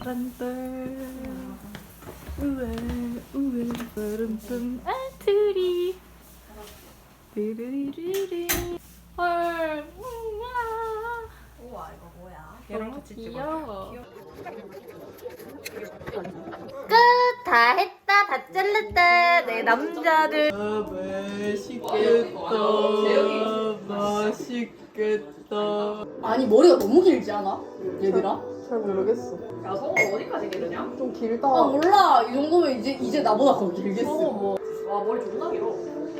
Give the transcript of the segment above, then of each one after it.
바람돌 우에 바람돌 아트리 르르르르 헐 우와 이거 뭐야? 얘랑 같이 찍어. 다 했다 다 잘랐다 내 남자들. 맛있겠다. 아니 머리가 너무 길지 않아? 얘들아? 잘 모르겠어. 야 성우 어디까지 기르냐? 좀 길다. 아 몰라 이 정도면 이제 나보다 더 길겠어. 와 머리 존나 길어.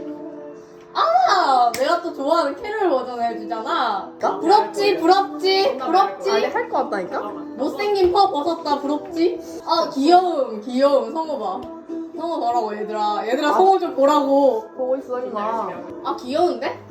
아 내가 또 좋아하는 캐롤 버전 해주잖아. 부럽지 부럽지 부럽지. 아니 할 것 같다니까? 못생긴 퍼 벗었다 부럽지? 아 귀여움 성우 봐. 성우 보라고 얘들아 성우 좀 보라고. 보고 있어 임마. 아 귀여운데?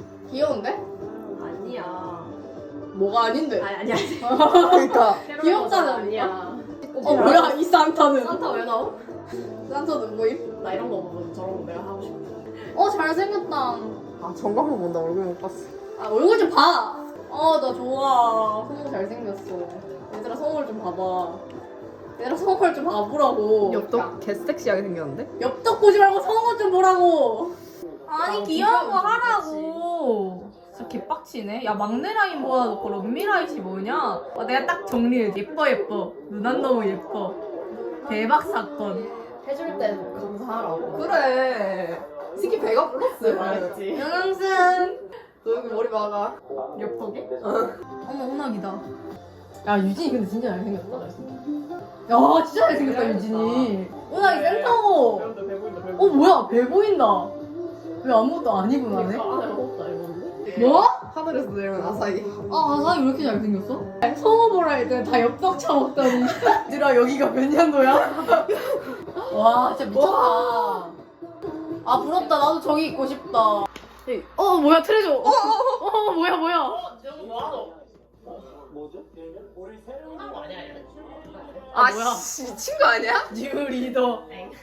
아니야. 뭐가 아닌데? 아니야. 그러니까 귀엽잖아. 아니야. 뭐야 이 산타는? 산타 왜 나오? 산타 누구임? 나 이런 거 보고 저런 거 내가 하고 싶어. 잘생겼다. 아 정광만 본다. 얼굴 못 봤어. 아 얼굴 좀 봐. 나 좋아. 성우 잘생겼어. 얘들아 성우를 좀 봐봐. 얘들아 성우를 좀 봐보라고. 엽떡 개 섹시하게 생겼는데? 엽떡 보지 말고 성우 좀 보라고. 아니 귀여운 거 하라고. 진짜 개빡치네. 야 막내 라인 모아놓고 런미 라인이 뭐냐? 내가 딱 정리해. 예뻐. 누난 너무 예뻐. 대박 사건. 해줄 땐 감사하라고. 그래. 특히 배가 불렀어. 말했지. 영영승. 너 여기 머리 막아. 엽떡이? 어머 운학이다. 야 유진이 근데 진짜 잘생겼다. 야 진짜 잘생겼다 유진이. 운학이 센터고. 여러분들 배보인다 배보인다. 뭐야 배 보인다. 왜 아무것도 안 입은 하네? 안에 먹었다 이건데. 뭐? 하늘에서 내려온 아사히. 아사이 왜 이렇게 잘생겼어? 성우 보라 했더니 다 엽떡 처먹더니 얘들아 여기가 몇 년도야? 와 진짜 미쳤다. 아 부럽다. 나도 저기 있고 싶다. 뭐야 트레저. 뭐야. 저거 뭐하노? 뭐죠? 우리 새로운 거 아니야 얘? 아 뭐야? 씨 친구 아니야? 뉴 리더.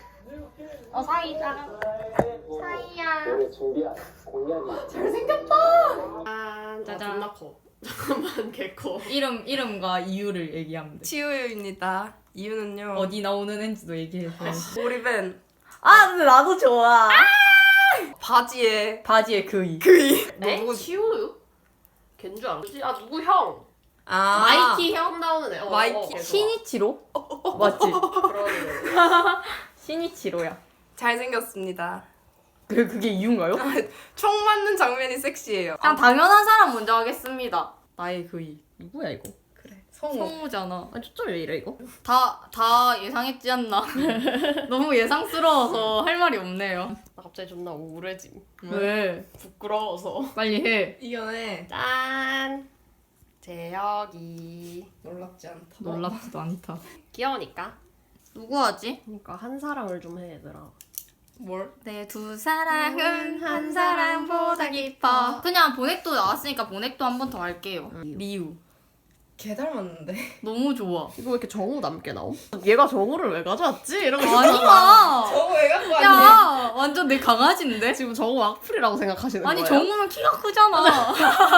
사이다. 사이야. 오늘 준비한 공약이 짜잔. 존나 커. 잠깐만 개커. 이름과 이유를 얘기하면 돼. 치우유입니다. 이유는요. 어디 나오는 앤지도 얘기해서. 오리벤 근데 나도 좋아. 바지에 바지에 그이. 에? 누구- 치우유? 걘줄 알았지? 아 누구 형? 마이키 형? 형 나오는 애. 마이키. 걔 좋아. 신이치로? 맞지? 그러네. 신이치로야. 잘생겼습니다. 그게 이유인가요? 총 맞는 장면이 섹시해요. 그냥 당연한 사람 먼저 하겠습니다. 나의 그이. 누구야 이거? 그래. 성우잖아. 초점 왜 이래 이거? 다 예상했지 않나? 너무 예상스러워서 할 말이 없네요. 나 갑자기 존나 우울해짐. 왜? 부끄러워서. 빨리 해. 이겨내. 짠. 재혁이. 놀랍지 않다. 놀랍지도 않다. 귀여우니까. 누구 하지? 그러니까 한 사랑을 좀 해 얘들아. 뭘? 내 두 사랑은 한 사랑보다 깊어. 그냥 보넥도 나왔으니까 보넥도 한 번 더 할게요. 리우. 개 닮았는데. 너무 좋아. 이거 왜 이렇게 정우 남게 나옴? 얘가 정우를 왜 가져왔지? 이러고 아니야. 저거 왜 갖고 왔니? 야, 완전 내 강아지인데? 지금 정우 악플이라고 생각하시는 아니 거예요? 정우는 키가 크잖아.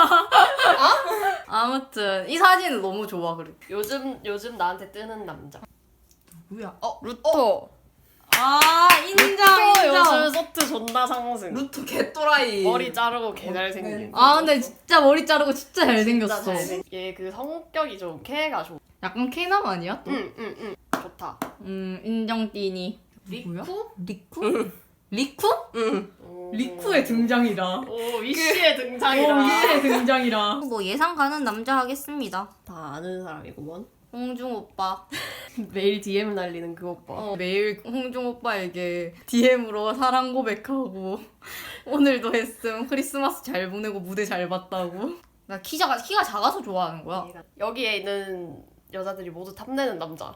아무튼 이 사진은 너무 좋아 그래. 요즘 나한테 뜨는 남자. 누구야? 루토. 인정 인정. 요즘 소트 존나 상승. 루토 개또라이. 머리 자르고 개 잘생긴. 근데 진짜 머리 자르고 진짜 잘생겼어. 얘 그 성격이 좀 K가 좋아. 약간 케남 아니야 또? 응. 좋다. 인정 띠니. 리쿠? 리쿠? 리쿠? 응. 리쿠의 등장이다. 오 위시의 등장이다. 위의 등장이라. 뭐 예상 가는 남자 하겠습니다. 다 아는 사람이구먼. 홍중 오빠. 매일 DM 날리는 그 오빠. 매일 홍중 오빠에게 DM으로 사랑 고백하고 오늘도 했음. 크리스마스 잘 보내고 무대 잘 봤다고. 나 키가 작아서 좋아하는 거야. 여기에 있는 여자들이 모두 탐내는 남자.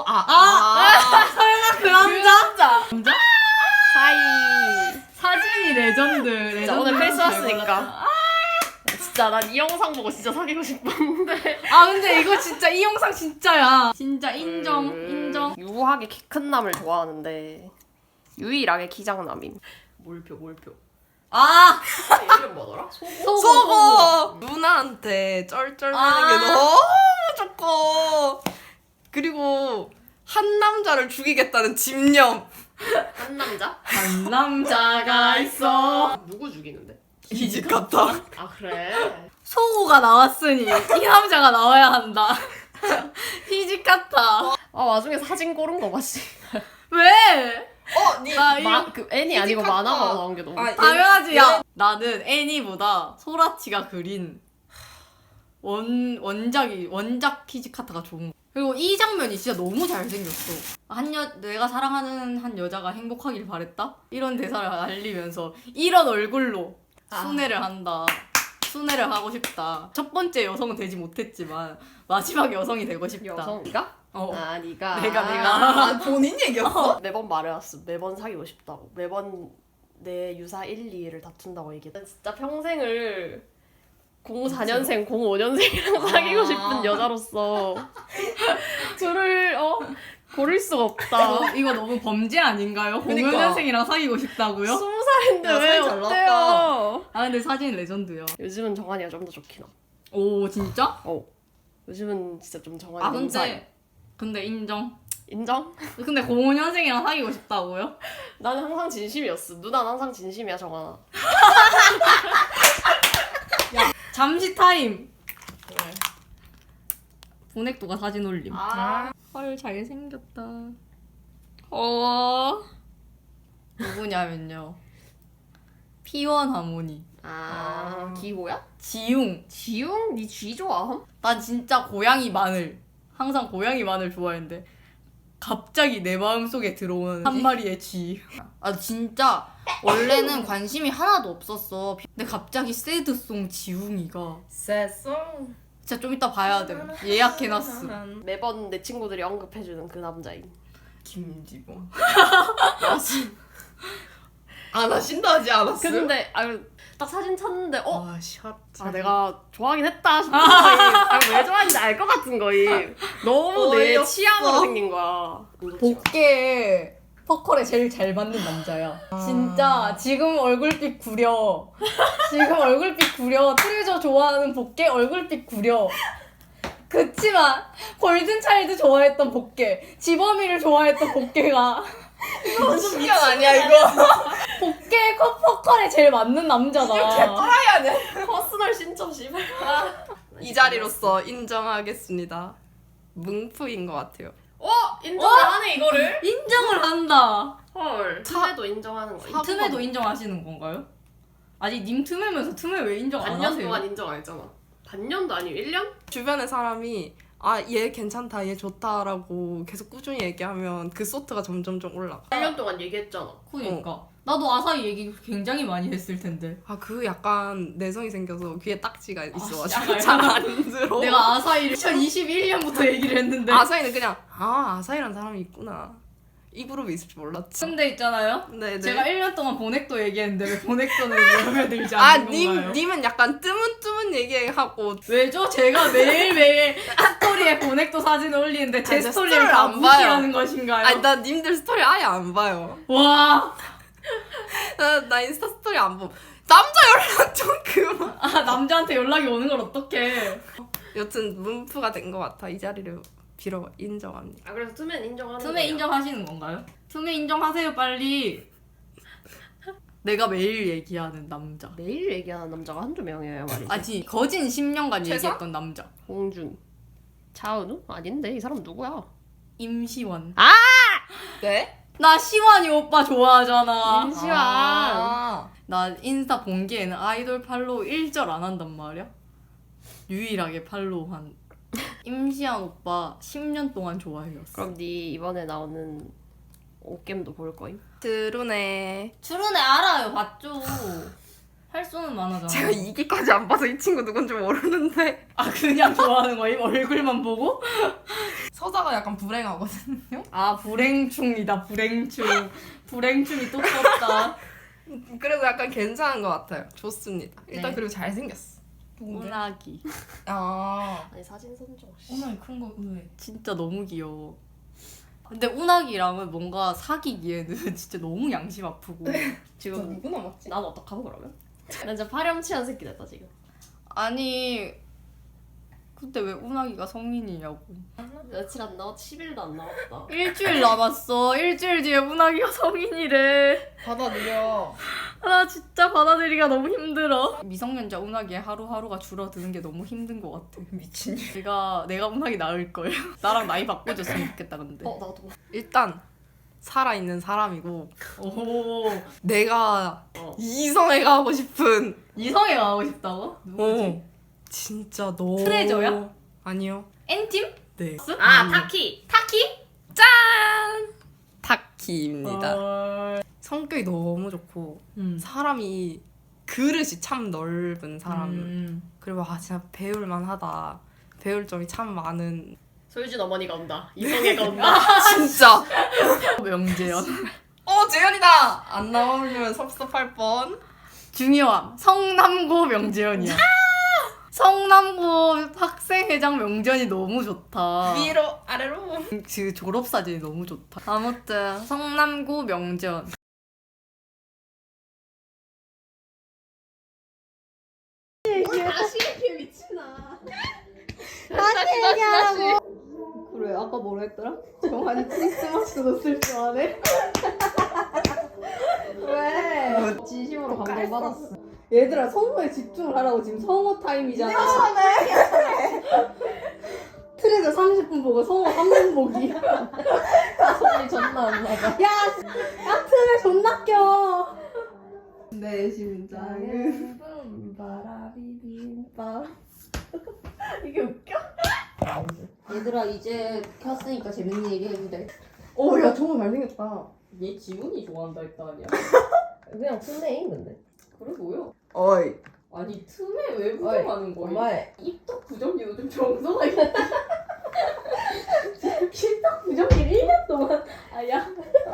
설마 그 남자? 사이. 사진이 레전드. 진짜 오늘 크리스마스니까. 진짜 난 이 영상 보고 진짜 사귀고 싶었는데. 근데 이거 진짜 이 영상 진짜야. 진짜 인정. 유하게 키 큰 남을 좋아하는데 유일하게 키장남임. 몰표. 이름 뭐더라? 소고! 누나한테 쩔쩔매는 게 너무 좋고. 그리고 한 남자를 죽이겠다는 집념. 한 남자? 한 남자가 있어. 누구 죽이는데? 이집 같다. 아 그래? 소고가 나왔으니 이 남자가 나와야 한다. 희집 같아. 아 와중에 사진 고른 거 맞지? 왜? 니 나 이거 그 애니 아니고 피지컬 만화가 다. 나온 게 너무. 아, 당연하지. 야 나는 애니보다 소라치가 그린 원작 키즈카타가 좋은 거. 그리고 이 장면이 진짜 너무 잘생겼어. 내가 사랑하는 한 여자가 행복하길 바랬다? 이런 대사를 알리면서 이런 얼굴로 순애를 한다. 순애를 하고 싶다. 첫 번째 여성은 되지 못했지만 마지막 여성이 되고 싶다. 여성 네가? 어. 아 네가. 내가. 아, 본인 얘기였어? 매번 말해왔어. 매번 사귀고 싶다고. 매번 내 유사 1, 2를 다툰다고 얘기해. 진짜 평생을 04년생, 05년생이랑 사귀고 싶은 여자로서 둘을 고를 수가 없다. 이거 너무 범죄 아닌가요? 그러니까. 05년생이랑 사귀고 싶다고요? 20살인데 야, 왜 사진 잘 어때요? 아 근데 사진 레전드야. 요즘은 정한이가 좀 더 좋긴 하. 오 진짜? 요즘은 진짜 좀 정한이 아 너무 사이. 근데 인정. 인정? 근데 05년생이랑 사귀고 싶다고요? 나는 항상 진심이었어. 누나는 항상 진심이야 정한아. 잠시 타임. 보넥도가 사진 올림. 헐 잘생겼다. 누구냐면요. P1 하모니. 기호야? 지웅. 지웅? 니 쥐 좋아함? 난 진짜 고양이 마늘. 항상 고양이 마늘 좋아했는데 갑자기 내 마음속에 들어오는 한 마리의 쥐. 아 진짜 원래는 관심이 하나도 없었어. 근데 갑자기 새드송 지웅이가 세송. 진짜 좀 이따 봐야 돼. 예약해놨어. 매번 내 친구들이 언급해주는 그 남자인. 김지범. 안 하신다 하지 않았어요? 근데 딱 사진 찾는데 아, 샷. 내가 좋아하긴 했다 싶은 거임. 왜 좋아하는지 알 것 같은 거임. 너무 내 어이없어. 취향으로 생긴 거야. 복계 퍼컬에 제일 잘 맞는 남자야. 진짜 지금 얼굴빛 구려. 트레저 좋아하는 복계 얼굴빛 구려. 그치만 골든차일드 좋아했던 복계, 지범이를 좋아했던 복계가 신경 아니야 이거. 복계 퍼컬에 제일 맞는 남자다. 개또라이 아니야? 퍼스널 신청 씨발. 이 자리로서 인정하겠습니다. 뭉프인 것 같아요. 인정을 하네 이거를. 인정을 한다. 헐. 틈에도 인정하는 거. 틈에도 인정하시는 건가요? 아니 님 틈에면서 틈에 왜 인정 안 반년 하세요? 동안 인정 안 했잖아. 반년도 아니고 1년? 주변의 사람이 얘 괜찮다, 얘 좋다라고 계속 꾸준히 얘기하면 그 소트가 점점점 올라가. 1년 동안 얘기했잖아. 그러니까 나도 아사히 얘기 굉장히 많이 했을 텐데. 그 약간 내성이 생겨서 귀에 딱지가 있어가지고 아, 잘 안 들어. 내가 아사히를 2021년부터 얘기를 했는데. 아사히는 그냥 아사히란 사람이 있구나. 이 그룹이 있을 줄 몰랐지. 근데 있잖아요. 네네. 제가 1년 동안 보넥도 얘기했는데 왜 보넥도는 마음에 들지 않는 건가요? 님은 약간 뜨문뜨문 얘기하고 왜죠? 제가 매일매일 스토리에 보넥도 사진을 올리는데 제 아니, 저 스토리를 스토리를 다 안 무시하는 것인가요? 나 님들 스토리 아예 안 봐요. 와. 나 인스타 스토리 안 봄. 남자 연락 좀 그만. 남자한테 연락이 오는 걸 어떡해. 여튼 문프가 된 것 같아. 이 자리를 빌어 인정합니다. 그래서 틈엔 인정하는 거야. 틈에 인정하시는 건가요? 틈에 인정하세요 빨리. 내가 매일 얘기하는 남자. 매일 얘기하는 남자가 한두 명이에요 말이지. 아직 거진 10년간 최서? 얘기했던 남자. 홍준. 차은우? 아닌데 이 사람 누구야? 임시완. 네? 나 시완이 오빠 좋아하잖아. 임시완. 나 인스타 본기에는 아이돌 팔로우 1절 안 한단 말이야. 유일하게 팔로우한 임시완 오빠 10년 동안 좋아해줬어. 그럼 네 이번에 나오는 옷겜도 볼 거임? 드루네. 추루네 알아요. 봤죠. 할 수는 많아잖아. 제가 2기까지 안 봐서 이 친구 누군지 모르는데 그냥 좋아하는 거임? 얼굴만 보고? 서자가 약간 불행하거든요. 불행충이다. 불행충이 또 떴다. 그래서 약간 괜찮은 것 같아요. 좋습니다. 일단 네. 그리고 잘생겼어. 운하기. 아니 사진 선정. 운하기 큰거 왜? 진짜 너무 귀여워. 근데 운하기랑은 뭔가 사귀기에는 진짜 너무 양심 아프고. 지금 누구 남았지? 난 어떡하고 그러면? 난 진짜 파렴치한 새끼 됐다 지금. 아니 근데 왜 운하기가 성인이냐고. 며칠 안 나왔 10일도 안 나왔다. 일주일 남았어. 일주일 뒤에 운하기가 성인이래. 받아들여. 나 진짜 받아들이기가 너무 힘들어. 미성년자 운하기의 하루하루가 줄어드는 게 너무 힘든 것 같아. 미친. 내가 운하기 낳을 거예요. 나랑 나이 바꿔줬으면 좋겠다 근데. 나도. 일단 살아있는 사람이고 오. 내가 이성애가 하고 싶은 이성애 가고 싶다고? 누구지? 진짜 너 트레저야? 아니요. N팀? 네. 아 타키. 짠! 타키입니다. 성격이 너무 좋고 사람이 그릇이 참 넓은 사람. 그리고 진짜 배울 만하다. 배울 점이 참 많은. 소유진 어머니가 온다. 이성애가 온다. 진짜. 명재현. 재현이다. 안 나오면 섭섭할 뻔. 중요함. 성남고 명재현이야. 성남고 학생회장 명재현이 너무 좋다. 위로 아래로. 그 졸업사진이 너무 좋다. 아무튼 성남고 명재현. 다시 이렇게 미친아. 그래 아까 뭐라 했더라? 정한이 크리스마스도 쓸 줄 아네? 왜? 진심으로 감동받았어. 얘들아 성우에 집중을 하라고. 지금 성우 타임이잖아. 트레저 30분 보고 성우 3분 보기. 소리 존나 안 나가. 야 트레 존나 껴. 내 심장은 바라비빔밥. 이게 웃겨? 얘들아 이제 켰으니까 재밌는 얘기 해도 돼. 야 정말 잘생겼다. 얘 지훈이 좋아한다 했다 아니야? 그냥 틈내인 근데. 그래 보여. 어이. 아니 틈에 왜 부정하는 거야? 엄마의. 입덕 부정기도 좀 정성하게. 입덕 부정기 1년 동안. 아야.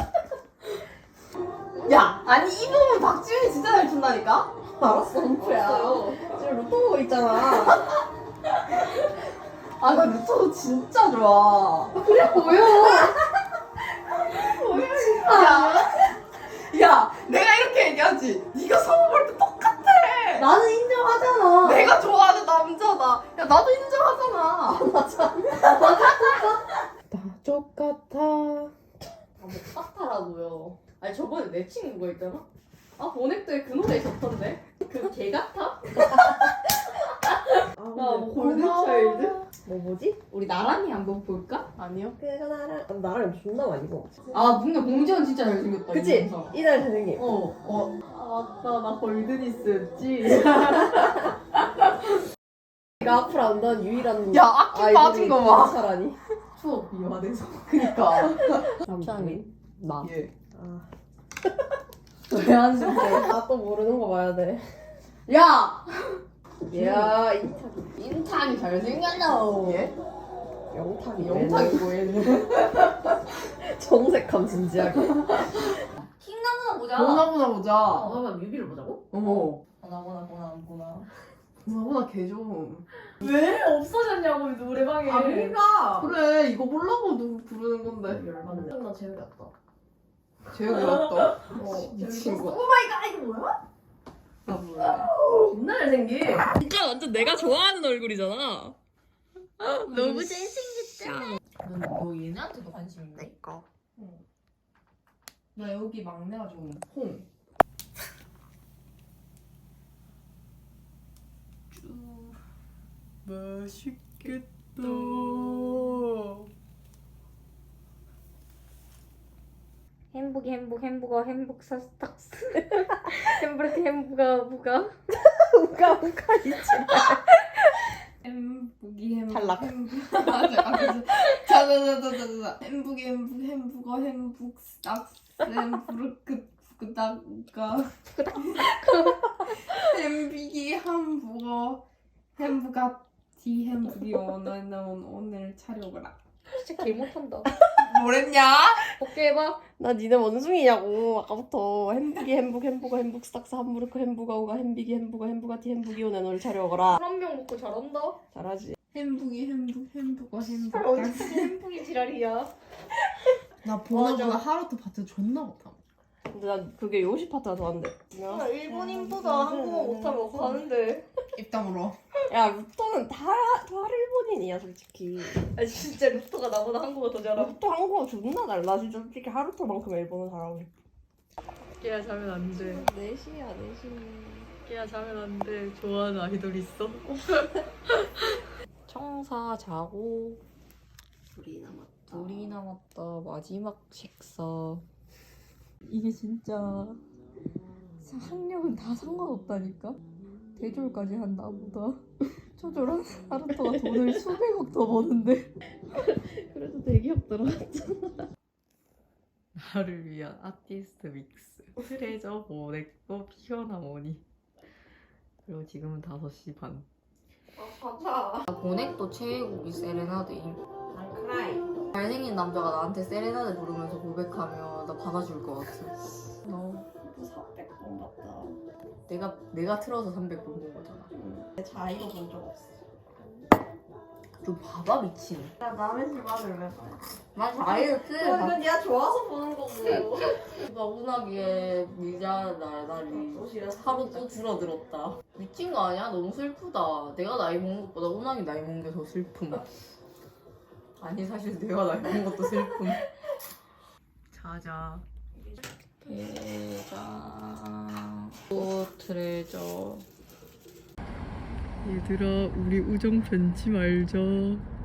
야 아니 이 부분 박지훈이 진짜 잘 춘다니까? 알았어 럼프야. 지금 루토 보고 있잖아. 아 나 루토도 진짜 좋아. 그래 보여. 야 내가 이렇게 얘기하지. 네가 성우 볼 때 똑같아. 나는 인정하잖아. 내가 좋아하는 남자다. 야 나도 인정하잖아. 맞아. 나 똑같아. 아뭐 같아라고요. 아니 저번에 내 친구가 있잖아. 아 보넥도에 그 노래 있었던데. 그 개 같아? 뭐 골든차일드? 뭐지? 우리 나란히 한번 볼까? 아니요. 그가 나랑 존나 많이 봐. 아 근데 봉지현 진짜 잘생겼다. 그치? 이날 잘생김. 아까 나 골드니스였지. 내가 앞으로 안다는 유일한 야 악기 빠진 거 봐. 사라니. 추억 미화돼서. 그니까. 남창이. 나. 예. 왜 한숨해? 나또 모르는 거 봐야 돼. 야. 야 인탁이 잘생겼나? 예? 영탁이 영탁이고 얘는. 정색함 진지하게. 킹나무나 보자. 그러면 뮤비를 보자고? 보나. 보나 개 좀. 왜 없어졌냐고 노래방에. 그러니까. 그래 이거 보려고 부르는 건데. 열받네. 나 재미없다. 재혁이 왔다. 미친 거. 오마이갓 이거 뭐야? 나 몰라. 존나 잘생긴. 진짜 완전 내가 좋아하는 얼굴이잖아. 너무 잘생겼다. 너 얘네한테도 관심 있네? 내꺼. 나 여기 막내가 좀 홍. 맛있겠다. 햄버거 햄북 사스탁스 햄버거 햄부가 부가 햄북이 탈락. 자자자자자. 햄북이 햄북어 햄북 스탁스 햄부르크 부그다가 햄비기 hamburger 햄부가티 햄북이 오늘 차려오거라. 진짜 개 못한다. 뭐랬냐? 어깨 해봐. 나 니네 원숭이냐고 아까부터. 햄버거 스탁스 함부르크 햄부가오가 햄비기 햄부가티 햄부기 오늘 너를 차려오거라. 한병 먹고 잘한다. 잘하지. 햄북이 햄북어 어디 햄북이 지랄이야. 나 보나보나 하루도 봤자 존나 못함. 근데 난 그게 요시 파트가 더 안 돼. 일본인보다 한국어 못하면 어떡하는데. 입 다물어. 야 루터는 다 일본인이야 솔직히. 아 진짜 루터가 나보다 한국어 더 잘함. 루터 한국어 존나 달라. 진짜 솔직히 하루토만큼 일본어 잘하고 싶어. 깨야 자면 안 돼. 4시야 4시. 깨야 자면 안 돼. 좋아하는 아이돌 있어? 청사 자고 둘이 남았다. 마지막 식사. 이게 진짜 학력은 다 상관없다니까. 대졸까지 한 나보다 초졸한 하루토가 돈을 수백억 더 버는데. 그래도 대기업 들어갔잖아. 나를 위한 아티스트 믹스. 트레저, 보넥도, 피어나 모니. 그리고 지금은 5시 반. 보넥도 최애곡이 세레나데임. 잘생긴 남자가 나한테 세레나데 부르면서 고백하면 나 받아줄 것 같아. 너 300번 봤다. 내가 틀어서 300번 본 거잖아. 자이로 본 적 없어. 좀 봐봐 미친. 나 남의 집 아들 왜 봐? 난 다이어트. 이건 네가 좋아서 보는 거고. 누가 운하기에 미자 날이 하루 또 줄어들었다. 미친 거 아니야? 너무 슬프다. 내가 나이 먹는 것보다 운하기 나이 먹는 게 더 슬픔. 아니 사실 내가 나이 먹는 것도 슬픔. 자자. 대장 또 트레저. 얘들아, 우리 우정 변치 말자.